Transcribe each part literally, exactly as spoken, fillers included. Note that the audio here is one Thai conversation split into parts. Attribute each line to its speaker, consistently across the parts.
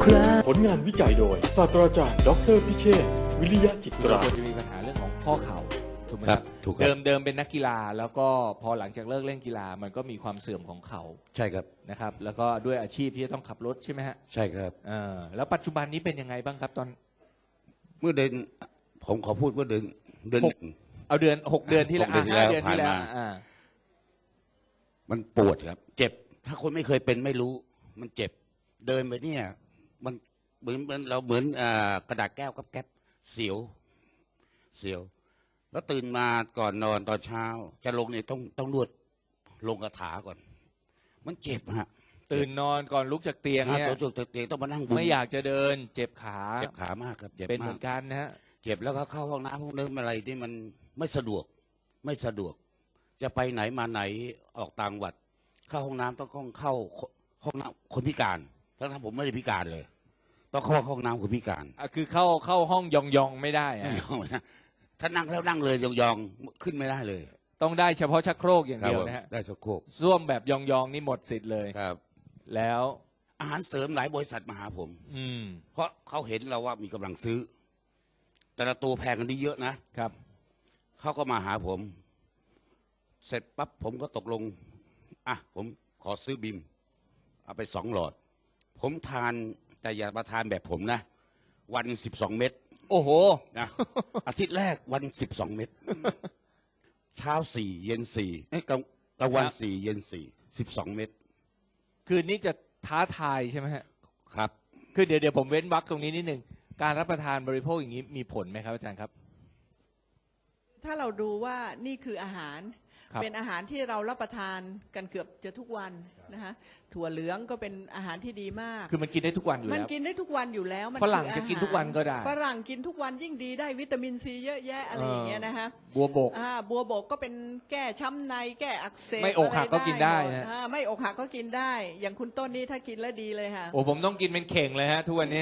Speaker 1: ครา
Speaker 2: ผลงานวิจัยโดยศาสตราจารย์ดอกเตอรพิเชษฐ์วิริยะจิตรา
Speaker 3: ควรจะมีปัญหาเรื่องของข้อเข่าถูกไหม
Speaker 4: ค
Speaker 3: ค
Speaker 4: รั
Speaker 3: รั
Speaker 4: บบ ถูกครับ
Speaker 3: เดิมเดิมเป็นนักกีฬาแล้วก็พอหลังจากเลิกเล่นกีฬามันก็มีความเสื่อมของเขา
Speaker 4: ใช่ครับ
Speaker 3: นะครับ แล้วก็ด้วยอาชีพที่จะต้องขับรถใช่ไหมฮะ
Speaker 4: ใช่ครับ
Speaker 3: เออแล้วปัจจุบันนี้เป็นยังไงบ้างครับตอน
Speaker 4: เมื่อเดือนผมขอพูดว่าเดือนเดือน
Speaker 3: หก เอาเดือนหกเดือนที่แล้ว
Speaker 4: หกเดือนที่
Speaker 3: อ่ะห้าเดือนที่แล้ว
Speaker 4: ผ่านมา
Speaker 3: อ่า
Speaker 4: มันปวดครับ เจ็บ ถ้าคนไม่เคยเป็นไม่รู้ มันเจ็บ เดินไปเนี่ย มันเหมือนเหมือนเราเหมือนอ่ากระดาษแก้วกับแก๊บเสียว เสียว แล้วตื่นมาก่อนนอนตอนเช้า จะลงเนี่ยต้องต้องนวดลงกระถาก่อน มันเจ็บฮะ
Speaker 3: ตื่นนอนก่อนลุกจากเตียง
Speaker 4: ฮะ
Speaker 3: เนี่ย
Speaker 4: ตัวจุกเตียงต้องมานั่งบุญ
Speaker 3: ไม่อยากจะเดินเจ็บขา
Speaker 4: เจ็บขามากครับเจ็บ
Speaker 3: เป็นเห
Speaker 4: มา
Speaker 3: มื
Speaker 4: ก
Speaker 3: อนกันนะฮะ
Speaker 4: เจ็บแล้วก็เข้าห้องน้ำห้องน้ำอะไรที่มันไม่สะดวก ไม่สะดวก จะไปไหนมาไหนออกต่างจังหวัด เข้าห้องน้ำต้องเข้าห้องน้ำคนพิการทั้งที่ผมไม่ได้พิการเลย ต้องเข้าห้องน้ำคนพิการ
Speaker 3: อ่ะคือเข้าเข้าห้องยองยองๆไม่ได้อะ
Speaker 4: ไม่ยอมนะถ้านั่งแล้วนั่งเลยยองๆขึ้นไม่ได้เลย
Speaker 3: ต้องได้เฉพาะชักโครกอย่าง
Speaker 4: ครับ
Speaker 3: เดียว
Speaker 4: ผม
Speaker 3: นะฮะ
Speaker 4: ได้ชักโครก
Speaker 3: ส้วมแบบยองยองๆนี่หมดสิทธิ์เลย
Speaker 4: ครับ
Speaker 3: แล้ว
Speaker 4: อาหารเสริมหลายบริษัทมาหาผม
Speaker 3: อืม
Speaker 4: เพราะเขาเห็นเราว่ามีกำลังซื้อ แต่ละตัวแพงกันดีเยอะนะครับ เขาก็มาหาผม เสร็จปั๊บผมก็ตกลง อ่ะ ผมขอซื้อบิม เอาไปสองหลอด ผมทานแต่อย่ามาทานแบบผมนะ วันสิบสองเม็ด
Speaker 3: โอ้โห
Speaker 4: นะ อาทิตย์แรกวันสิบสองเม็ด เช้าสี่เย็นสี่เอ้ยกลางกลางวัน
Speaker 3: ครับ
Speaker 4: สี่เย็นสี่สิบสองเม็ด
Speaker 3: คืนนี้จะท้าทายใช่ไหมฮะ
Speaker 4: ครับ
Speaker 3: คือเดี๋ยวเดี๋ยวผมเว้นวรรคตรงนี้นิดหนึ่งการรับประทานบริโภคอย่างนี้มีผลไหมครับอาจารย์ครับ
Speaker 5: ถ้าเราดูว่านี่คืออาหาร
Speaker 3: ครับ
Speaker 5: เป็นอาหารที่เรารับประทานกันเกือบจะทุกวันนะคะถั่วเหลืองก็เป็นอาหารที่ดีมาก
Speaker 3: คือมันกินได้ทุกวันอยู่
Speaker 5: มัน
Speaker 3: แล้ว
Speaker 5: กินได้ทุกวันอยู่แล้วมัน
Speaker 3: ฝรั่ง
Speaker 5: คืออาหา
Speaker 3: จะกินทุกวันก็ได้
Speaker 5: ฝรั่งกินทุกวันยิ่งดีได้วิตามินซีเยอะแยะอะไรอย่างเงี้ยนะคะ
Speaker 3: บัวบก
Speaker 5: อ่าบัวบกก็เป็นแก้ช้ำในแก้อักเสบ
Speaker 3: ไม่อกหักก็กินได้
Speaker 5: หม
Speaker 3: นะ
Speaker 5: อ่าไม่อกหักก็กินได้ อย่างคุณต้นนี้ถ้ากินแล้วดีเลยค่ะ
Speaker 3: โอ้ผมต้องกินเป็นเข่งเลยฮะทุกวันนี้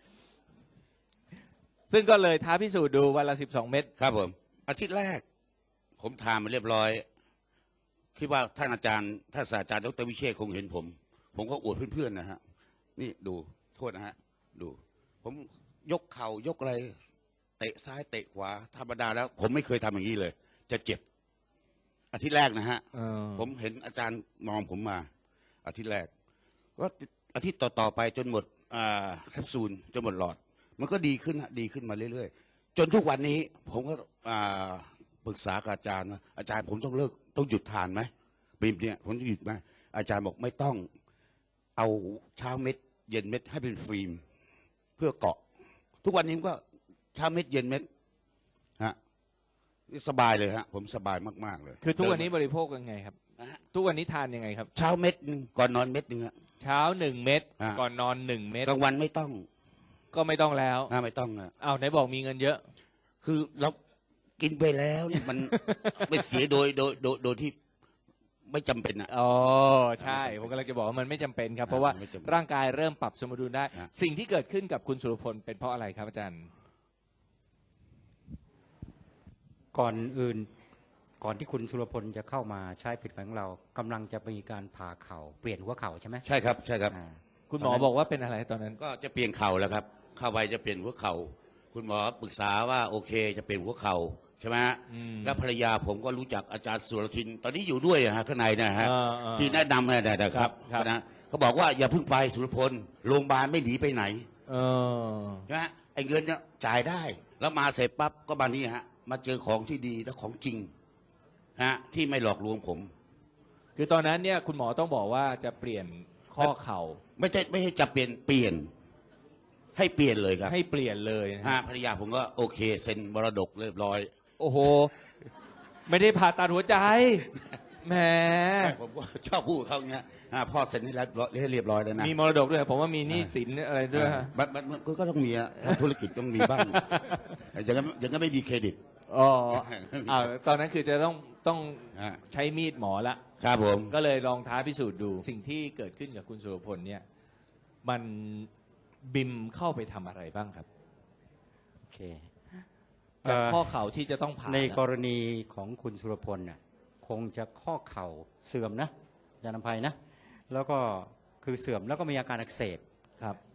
Speaker 3: ซึ่งก็เลยท้าพิสูจน์ดูวันละสิบสองเม็ด
Speaker 4: ครับผม อาทิตย์แรก ผมทานมาเรียบร้อย คิดว่าท่านอาจารย์ท่านศาสตราจารย์ดรวิเชษฐ์คงเห็นผม ผมก็อวดเพื่อนๆนะฮะ นี่ดูโทษนะฮะ ดู ผมยกเข่ายกอะไร เตะซ้ายเตะขวาธรรมดาแล้ว ผมไม่เคยทำอย่างนี้เลย จะเจ็บ อาทิตย์แรกนะฮะ ผมเห็นอาจารย์มองผมมา อาทิตย์แรก ก็อาทิตย์ต่อๆไปจนหมดอ่าแคปซูลจนหมดหลอด มันก็ดีขึ้นฮะดีขึ้นมาเรื่อยๆ จนทุกวันนี้ ผมก็อ่าปรึกษากับอาจารย์ว่าอาจารย์ผมต้องเลิกต้องหยุดทานไหมบีมเนี่ยผมจะหยุดไหมอาจารย์บอกไม่ต้องเอาเช้าเม็ด เย็นเม็ดให้เป็นฟิล์มเพื่อเกาะ ทุกวันนี้ผมก็เช้าเม็ดเย็นเม็ดฮะนี่สบายเลยฮะ ผมสบายมากๆเลย
Speaker 3: คือทุกวันนี้บริโภคยังไงครับ
Speaker 4: นะฮะ
Speaker 3: ทุกวันนี้ทานยังไงครับ
Speaker 4: เช้าเม็ดหนึ่งก่อนนอนเม็ดหนึ่งฮะ
Speaker 3: เช้าหนึ่งเม็ด
Speaker 4: อ่า
Speaker 3: ก่อนนอนหนึ่งเม็ด
Speaker 4: กลางวันไม่ต้อง
Speaker 3: ก็ไม่ต้องแล้ว
Speaker 4: นะไม่ต้องนะ
Speaker 3: อ้าวไหนบอกมีเงินเยอะ
Speaker 4: คือเรากินไปแล้วเนี่ยมัน ไม่เสียโดยโดยโดยโดยที่ไม่จำเป็นอ่ะ
Speaker 3: อ๋อใช่ผมกำลังจะบอกว่ามันไม่จำเป็นครับ เพราะว่า
Speaker 4: ไม่จำเป็น
Speaker 3: ร่างกายเริ่มปรับสมดุลได้
Speaker 4: นะ
Speaker 3: สิ่งที่เกิดขึ้นกับคุณสุรพลเป็นเพราะอะไรครับอาจารย์
Speaker 6: ก่อนอื่นก่อนที่คุณสุรพลจะเข้ามาใช้ผลิตภัณฑ์ของเรากำลังจะมีการผ่าเข่าเปลี่ยนหัวเข่าใช่ไหม
Speaker 4: ใช่ครับใช่ครับ
Speaker 6: อ่า
Speaker 3: คุณหมอบอกว่าเป็นอะไรตอนนั้น
Speaker 4: ก็จะเปลี่ยนเข่าแล้วครับ เข้าไปจะเปลี่ยนหัวเข่า คุณหมอปรึกษาว่าโอเคจะเปลี่ยนหัวเข่าใช่ไหมฮะ
Speaker 3: อืม
Speaker 4: แล้วภรรยาผมก็รู้จักอาจารย์สุรทิน ตอนนี้อยู่ด้วยอะฮะข้างในนะฮะ
Speaker 3: อ่าอ่า
Speaker 4: ที่แนะนำนะนะค
Speaker 3: ครั
Speaker 4: รั
Speaker 3: บบ ครับ
Speaker 4: นะเขาบอกว่าอย่าเพิ่งไปสุรพลโรงพยาบาลไม่หนีไปไหน
Speaker 3: เออ
Speaker 4: ใช่ไหมไอ้เงินเนี่ยจ่ายได้ แล้วมาเสร็จปั๊บก็มานี่ฮะ มาเจอของที่ดีและของจริงฮะที่ไม่หลอกลวงผม
Speaker 3: คือตอนนั้นเนี่ยคุณหมอต้องบอกว่าจะเปลี่ยนข้อเข่า
Speaker 4: ไม่ใช่ไม่ใช่จะเปลี่ยนเปลี่ยน ให้เปลี่ยนเลยครับ
Speaker 3: ให้เปลี่ยนเลยนะ
Speaker 4: ฮะภรรยาผมก็โอเคเซ็นมรดกเรียบร้อย
Speaker 3: โอ้โห ไม่ได้ผ่าตัดหัวใจแหม
Speaker 4: ผมก็ชอบพูดเขาเงี้ยฮะพ่อเซ็นให้เรียบร้อยให้เรียบร้อยแล้วนะ
Speaker 3: มีมรดกด้วยผมว่ามีหนี้สินอะไรด้วยฮะ
Speaker 4: มันมันมันก็ต้องมีอะทำธุรกิจต้องมีบ้างอย่างนั้นอย่างนั้นไม่มีเครดิต
Speaker 3: อ๋ออ่าตอนนั้นคือจะต้องต้อง
Speaker 4: ฮะ
Speaker 3: ใช้มีดหมอละ
Speaker 4: ครับผม
Speaker 3: ก็เลยลองท้าพิสูจน์ดู สิ่งที่เกิดขึ้นกับคุณสุรพลเนี่ย มันบิมเข้าไปทำอะไรบ้างครับ
Speaker 6: โอเค
Speaker 3: จาก
Speaker 6: เอ่อ
Speaker 3: ข้อเข่าที่จะต้องผ่า
Speaker 6: ในก
Speaker 3: นะ
Speaker 6: รณีของคุณสุรพลน่ะคงจะข้อเข่าเสื่อมนะอาจารย์นภัยนะ แล้วก็คือเสื่อมแล้วก็มีอาการอักเสบ
Speaker 3: ครับ
Speaker 6: ค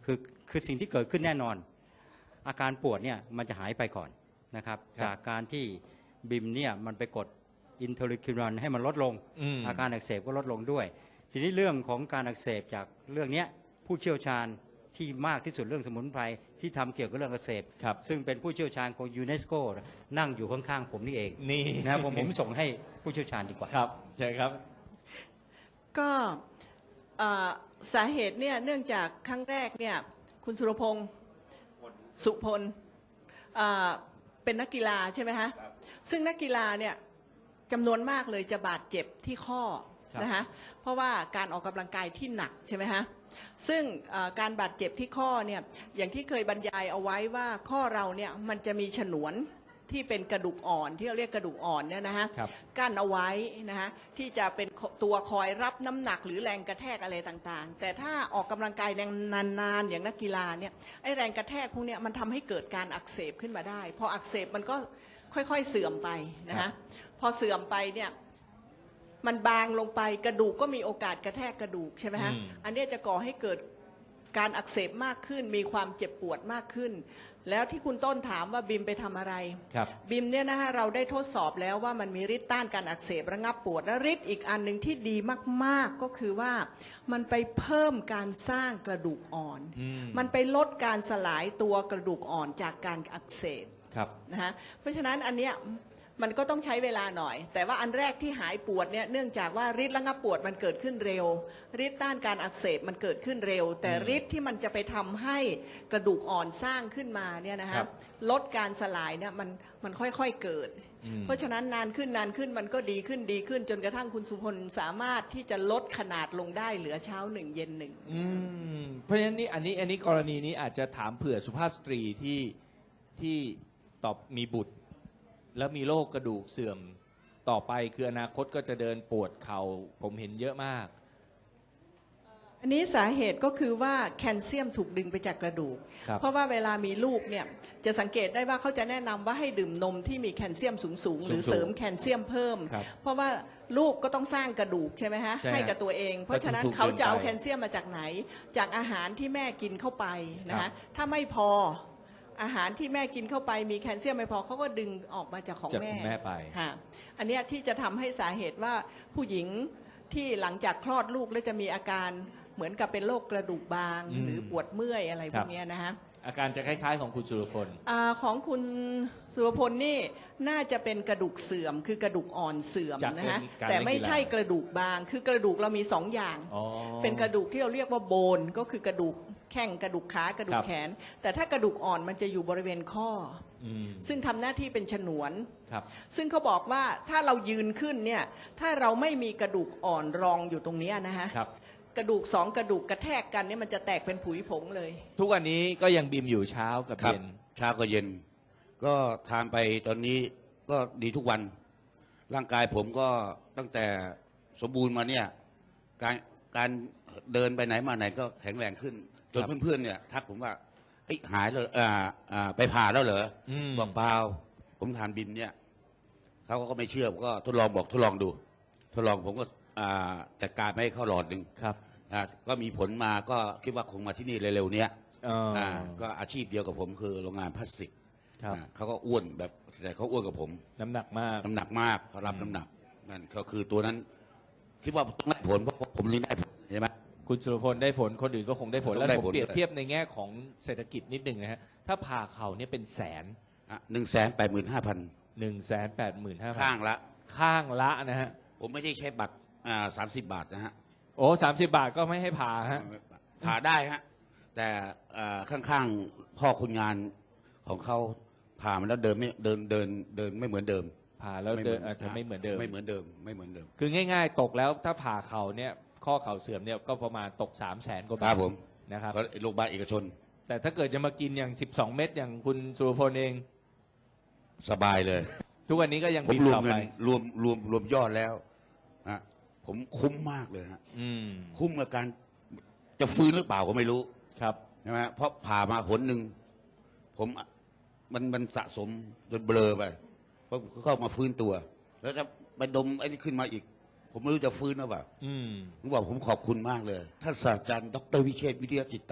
Speaker 6: คือคือสิ่งที่เกิดขึ้นแน่นอน อาการปวดเนี่ยมันจะหายไปก่อนนะครับ
Speaker 3: ครับ
Speaker 6: จากการที่บิมเนี่ยมันไปกดอินเทอร์ลิคินให้มันลดลง
Speaker 3: อืม
Speaker 6: อาการอักเสบก็ลดลงด้วย ทีนี้เรื่องของการอักเสบจากเรื่องเนี้ยผู้เชี่ยวชาญที่มากที่สุดเรื่องสมุนไพรที่ทำเกี่ยวกับเรื่องอักเสบ
Speaker 3: ครับ
Speaker 6: ซึ่งเป็นผู้เชี่ยวชาญของยูเนสโกนั่งอยู่ข้างๆผมนี่เอง
Speaker 3: นี่
Speaker 6: นะครับผมผมส่งให้ผู้เชี่ยวชาญดีกว่า
Speaker 3: ครับใช่ครับ
Speaker 5: ก็เอ่อสาเหตุเนี่ยเนื่องจากครั้งแรกเนี่ยคุณสุรพงศ์สุพลเอ่อเป็นนักกีฬาใช่ไหมฮะซึ่งนักกีฬาเนี่ยจำนวนมากเลยจะบาดเจ็บที่ข้อ
Speaker 3: ครับ
Speaker 5: นะคะเพราะว่าการออกกำลังกายที่หนักใช่ไหมฮะซึ่งเอ่อการบาดเจ็บที่ข้อเนี่ยอย่างที่เคยบรรยายเอาไว้ว่าข้อเราเนี่ยมันจะมีฉนวนที่เป็นกระดูกอ่อนที่เราเรียกกระดูกอ่อนเนี่ยนะฮะ
Speaker 3: ครับ
Speaker 5: กั้นเอาไว้นะฮะที่จะเป็นตัวคอยรับน้ำหนักหรือแรงกระแทกอะไรต่างๆ แต่ถ้าออกกำลังกายนานๆอย่างนักกีฬาเนี่ยไอ้แรงกระแทกพวกเนี้ยมันทำให้เกิดการอักเสบขึ้นมาได้พออักเสบมันก็ค่อยๆเสื่อมไปนะ
Speaker 3: ครั
Speaker 5: ฮะ
Speaker 3: บ
Speaker 5: พอเสื่อมไปเนี่ยมันบางลงไปกระดูกก็มีโอกาสกระแทกกระดูกใช่ไหมฮะ
Speaker 3: อืม
Speaker 5: อันเนี้ยจะก่อให้เกิดการอักเสบมากขึ้นมีความเจ็บปวดมากขึ้น แล้วที่คุณต้นถามว่าบิมไปทำอะไร
Speaker 3: ครับ
Speaker 5: บิมเนี่ยนะฮะเราได้ทดสอบแล้วว่ามันมีฤทธิ์ต้านการอักเสบระงับปวดและฤทธิ์อีกอันหนึ่งที่ดีมากๆก็คือว่ามันไปเพิ่มการสร้างกระดูกอ่อน
Speaker 3: อืม
Speaker 5: มันไปลดการสลายตัวกระดูกอ่อนจากการอักเสบ
Speaker 3: ครับ
Speaker 5: นะฮะเพราะฉะนั้นอันเนี้ยมันก็ต้องใช้เวลาหน่อย แต่ว่าอันแรกที่หายปวดเนี่ยเนื่องจากว่าฤทธิ์ระงับปวดมันเกิดขึ้นเร็วฤทธิ์ต้านการอักเสบมันเกิดขึ้นเร็ว แต่
Speaker 3: อืม
Speaker 5: ฤทธิ์ที่มันจะไปทำให้กระดูกอ่อนสร้างขึ้นมาเนี่ยนะ
Speaker 3: ครั
Speaker 5: ฮะ
Speaker 3: บ
Speaker 5: ลดการสลายเนี่ยมันมันค่อยๆเกิด
Speaker 3: อืม
Speaker 5: เพราะฉะนั้นนานขึ้นนานขึ้นมันก็ดีขึ้นดีขึ้น จนกระทั่งคุณสุพลสามารถที่จะลดขนาดลงได้เหลือเช้าหนึ่งเย็นหนึ่ง
Speaker 3: อืมเพราะฉะนั้นนี่อันนี้อันนี้กรณีนี้อาจจะถามเผื่อสุภาพสตรีที่ที่ตอบมีบุตร แล้วมีโรคกระดูกเสื่อมต่อไปคืออนาคตก็จะเดินปวดเขา่าผมเห็นเยอะมาก
Speaker 5: อันนี้สาเหตุก็คือว่าแคลเซียมถูกดึงไปจากกระดูก
Speaker 3: ครับ
Speaker 5: เพราะว่าเวลามีลูกเนี่ยจะสังเกตได้ว่าเขาจะแนะนำว่าให้ดื่มนมที่มีแคลเซียมสูงๆหรือ
Speaker 3: สูงๆ
Speaker 5: เสริมแคลเซียมเพิ่ม
Speaker 3: ครับ
Speaker 5: เพราะว่าลูกก็ต้องสร้างกระดูกใช่ไหมฮะ
Speaker 3: ใช่ฮะ
Speaker 5: ให้กับตัวเอง เพราะฉะนั้น
Speaker 3: ก็ถูกๆ
Speaker 5: เขาจะเอา
Speaker 3: ดึงไป
Speaker 5: แคลเซียมมาจากไหน จากอาหารที่แม่กินเข้าไปนะ
Speaker 3: ครั
Speaker 5: ฮะ
Speaker 3: บ
Speaker 5: ถ้าไม่พออาหารที่แม่กินเข้าไปมีแคลเซียมไม่พอเขาก็ดึงออกมาจากของ
Speaker 3: จาก
Speaker 5: แม่
Speaker 3: คุณแม่ไป
Speaker 5: ฮะอันเนี้ยที่จะทำให้สาเหตุว่าผู้หญิงที่หลังจากคลอดลูกแล้วจะมีอาการเหมือนกับเป็นโรคกระดูกบาง
Speaker 3: อืม
Speaker 5: หรือปวดเมื่อยอะไร
Speaker 3: ค
Speaker 5: พ
Speaker 3: รั
Speaker 5: ว
Speaker 3: บ
Speaker 5: กเนี้ยนะฮะ
Speaker 3: อาการจะคล้ายๆของคุณสุรพล
Speaker 5: อาของคุณสุรพลนี่น่าจะเป็นกระดูกเสื่อม คือกระดูกอ่อนเสื่อม
Speaker 3: จาก
Speaker 5: นะฮะ
Speaker 3: การ
Speaker 5: แต่
Speaker 3: เล่นกีฬา
Speaker 5: ไม่ใช่กระดูกบาง คือกระดูกเรามีสองอย่าง
Speaker 3: อ๋อ
Speaker 5: เป็นกระดูกที่เราเรียกว่าโบนก็คือกระดูกแข้งกระดูกขากระดู
Speaker 3: ครั
Speaker 5: ก
Speaker 3: บ
Speaker 5: แขน แต่ถ้ากระดูกอ่อนมันจะอยู่บริเวณข้อ
Speaker 3: อืม
Speaker 5: ซึ่งทำหน้าที่เป็นฉนวน
Speaker 3: ครับ
Speaker 5: ซึ่งเขาบอกว่าถ้าเรายืนขึ้นเนี่ยถ้าเราไม่มีกระดูกอ่อนรองอยู่ตรงเนี้ยนะฮะ
Speaker 3: ครับ
Speaker 5: กระดูกสองกระดูกกระแทกกันเนี่ยมันจะแตกเป็นผุยผงเลย
Speaker 3: ทุกวันนี้ก็ยังบิมอยู่เช้ากับ
Speaker 4: ครับ
Speaker 3: เย็น
Speaker 4: เช้าก็เย็น ก็ทานไปตอนนี้ก็ดีทุกวัน ร่างกายผมก็ตั้งแต่สมบูรณ์มาเนี่ยการการเดินไปไหนมาไหนก็แข็งแรงขึ้น จน
Speaker 3: ครับ
Speaker 4: เพื่อนๆเนี่ยทักผมว่าเอ้ยหายแล้วอ่าอ่าไปผ่าแล้วเหรออ
Speaker 3: ม
Speaker 4: บอกเปล่าผมทานบิมเนี่ยเขาก็ไม่เชื่อผมก็ทดลองบอกทดลองดู ทดลองผมก็อ่าจัดการไม่ให้เข้าหลอดหนึ่ง
Speaker 3: ครับ
Speaker 4: อ่าก็มีผลมาก็คิดว่าคงมาที่นี่เร็วๆเนี้ย
Speaker 3: อ๋ออ่
Speaker 4: าก็อาชีพเดียวกับผมคือโรงงานพลาสติก
Speaker 3: ครับ
Speaker 4: อ่าเขาก็อ้วนแบบแต่เขาอ้วนกับผม
Speaker 3: น้ำหนักมาก
Speaker 4: น้ำหนักมากเขารับน้ำหนักนั่นก็คือตัวนั้น คิดว่าต้องได้ผลเพราะผมนี่ได้ผลใช่ไหม
Speaker 3: คุณสุรพลได้ผลคนอื่นก็คงได้ผล
Speaker 4: ต้อง
Speaker 3: แล้ว
Speaker 4: ได้
Speaker 3: ผม
Speaker 4: ผล
Speaker 3: เปรียบ
Speaker 4: ด้วย
Speaker 3: เทียบในแง่ของเศรษฐกิจนิดหนึ่งนะฮะถ้าผ่าเข่าเนี่ยเป็นแสน
Speaker 4: หนึ่งแสนแปดหมื่นห้าพัน
Speaker 3: หนึ่งแสนแปดหมื่นห้าพั
Speaker 4: ข้างละ
Speaker 3: ข้างละนะฮะ
Speaker 4: ผมไม่ได้ใช้บัตรอ่าสามสิบบาทนะฮะ
Speaker 3: โอ้สามสิบบาทก็ไม่ให้ผ่าฮะ
Speaker 4: ผ่าได้ฮะ แต่อ่าข้างๆพ่อคนงานของเขาผ่ามาแล้วเดินไม่เดินเดินเดินไม่เหมือนเดิม
Speaker 3: ผ่าแล้วเดินอาจจะไม่เหมือนเดิม
Speaker 4: ไม่เหมือนเดิมไม่เหมือนเดิม
Speaker 3: คือง่ายๆ ตกแล้วถ้าผ่าเข่าเนี่ยข้อเข่าเสื่อมเนี่ยก็ประมาณตกสามแสนกว่า
Speaker 4: ครับ
Speaker 3: า
Speaker 4: บ
Speaker 3: ท
Speaker 4: ผม
Speaker 3: นะครับ
Speaker 4: ก็โรงพยาบาลเอกชน
Speaker 3: แต่ถ้าเกิดจะมากินอย่างสิบสองเม็ดอย่างคุณสุรพลเอง
Speaker 4: สบายเลย
Speaker 3: ทุกวันนี้ก็ยัง
Speaker 4: ผม
Speaker 3: บิน
Speaker 4: รวม
Speaker 3: ต่อ
Speaker 4: เงิ
Speaker 3: ไป
Speaker 4: นรวมรวมรวมยอดแล้วฮะผมคุ้มมากเลยฮะ
Speaker 3: อืม
Speaker 4: คุ้มกับการจะฟื้นหรือเปล่าก็ไม่รู้
Speaker 3: ครับ
Speaker 4: ใช่ไหมเพราะผ่ามาหนหนึ่งผมมันมันสะสมจนเบลอไปเพราะเข้ามาฟื้นตัว แล้วจะไปดมไอ้นี่ขึ้นมาอีก ผมไม่รู้จะฟื้นหรือเปล่า
Speaker 3: อืม
Speaker 4: ผมบอกผมขอบคุณมากเลยท่านศาสตราจารย์ดรวิเชษฐ์วิทยาจิตตา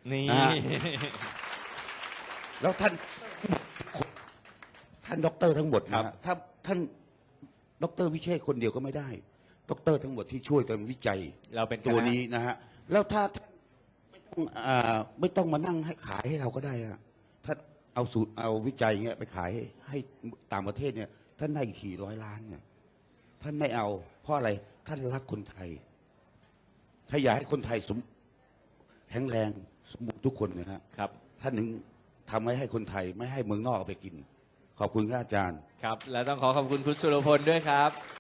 Speaker 3: นี่
Speaker 4: อ่า แล้วท่านท่านด็อกเตอร์ทั้งหมด
Speaker 3: ครั
Speaker 4: นะ
Speaker 3: บ
Speaker 4: ฮะถ้าท่านด็อกเตอร์วิเชษฐ์คนเดียวก็ไม่ได้ด็อกเตอร์ทั้งหมดที่ช่วยกันวิจัย
Speaker 3: เราเป็นคณะ
Speaker 4: ตัวนี้นะฮะแล้วถ้าท่านไม่ต้องอ่าไม่ต้องมานั่งให้ขายให้เราก็ได้อะถ้าเอาสูตรเอาวิจัยเงี้ยไปขายให้ให้ต่างประเทศเนี่ยท่านได้อีกกี่ร้อยล้านเนี่ยท่านไม่เอา เพราะอะไรท่านรักคนไทย ถ้าอยากให้คนไทยสมแข็งแรงสมบูรณ์ทุกคนนะฮะ
Speaker 3: ครับ
Speaker 4: ท่านหนึ่งทำให้ให้คนไทยไม่ให้เมืองนอกเอาไปกิน ขอบคุณครับอาจารย์
Speaker 3: ครับ และต้องขอขอบคุณคุณสุรพลด้วยครับ